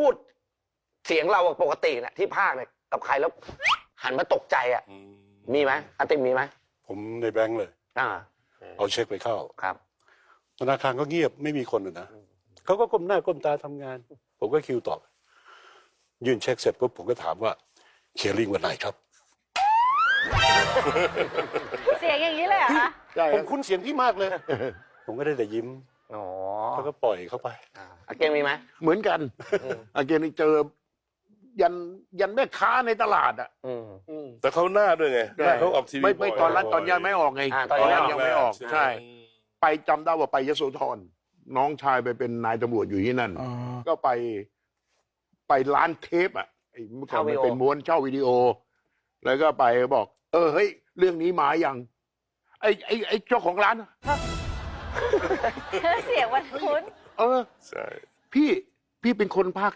พูดเสียงเราปกติเนี่ยที่ภาคเนี่ยกับใครแล้วหันมาตกใจอ่ะมีไหมอาติมมีไหมผมในแบงค์เลยอ่าเอาเช็คไปเข้าครับธนาคารก็เงียบไม่มีคนเลยนะเขาก็ก้มหน้าก้มตาทำงาน ผมก็คิวตอบยื่นเช็คเสร็จปุ๊บผมก็ถามว่าเคลียร์ลิงวันไหนครับเสียงอย่างนี้เลยเหรอคะผมคุ้นเสียงพี่มากเลย ผมก็ได้แต่ยิ้มอ๋อแล้วก็ปล่อยเข้าไปอาเกงมีไหมเหมือนกันอาเกนี่เจอยันแม่ค้าในตลาดอ่ะแต่เขาหน้าด้วยไงหน้าเขาออกทีวีไม่ตอนนั้นตอนยังไม่ออกไงตอนนี้ยังไม่ออกใช่ ไปจำได้ว่าไปยโสธรน้องชายไปเป็นนายตำรวจอยู่ที่นั่น ก็ไปร้านเทปอ่ะไอ้เมื่อก่อนมันเป็นม้วนเช่าวิดีโอ แล้วก็ไปบอก เฮ้ยเรื่องนี้มาอย่างไอ้เจ้าของร้านเสียงมันคุ้นใช่พี่เป็นคนภาค